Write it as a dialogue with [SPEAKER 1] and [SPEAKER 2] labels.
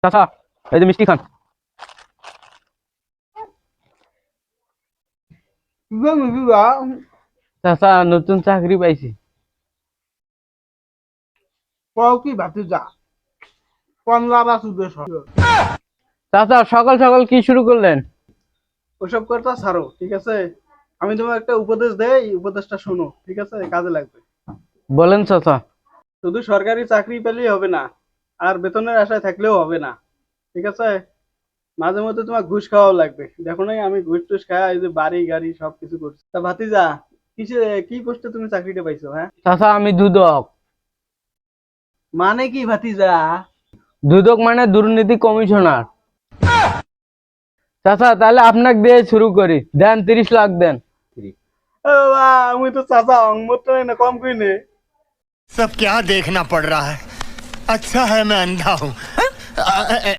[SPEAKER 1] চাচা এই যে মিষ্টি খান। চাচা নতুন চাকরি পাইছি।
[SPEAKER 2] কি ভাতিজা কমলা বা সুদের
[SPEAKER 1] চাচা সকাল সকাল কি শুরু করলেন?
[SPEAKER 2] ওসব কথা ছাড়ো, ঠিক আছে? আমি তোমার একটা উপদেশ দেই, এই উপদেশটা শোনো, ঠিক আছে? কাজে লাগবে।
[SPEAKER 1] বলেন চাচা।
[SPEAKER 2] শুধু সরকারি চাকরি পেলেই হবে না, আর বেতনের আশায় থাকলেও হবে না, ঠিক আছে? মাঝে মধ্যে তোমার ঘুষ খাওয়াও লাগবে। দেখো নাই আমি ঘুষ টুস খাওয়া এই যে বাড়ি গাড়ি সবকিছু করছি। তা ভাতিজা, কিসে কি পোস্টে তুমি চাকরিটা পাইছো? হ্যাঁ,
[SPEAKER 1] চাচা আমি দুদক।
[SPEAKER 2] মানে কি ভাতিজা?
[SPEAKER 1] দুদক মানে দুর্নীতি কমিশনার। চাচা তাহলে আপনাকে দিয়ে শুরু করি, দেন 30 লাখ দেন।
[SPEAKER 2] ও বাবা, আমি তো চাচা অঙ্গমত না কম কই নে।
[SPEAKER 3] सब क्या देखना पड़ रहा है। अच्छा है मैं अंधा हूँ।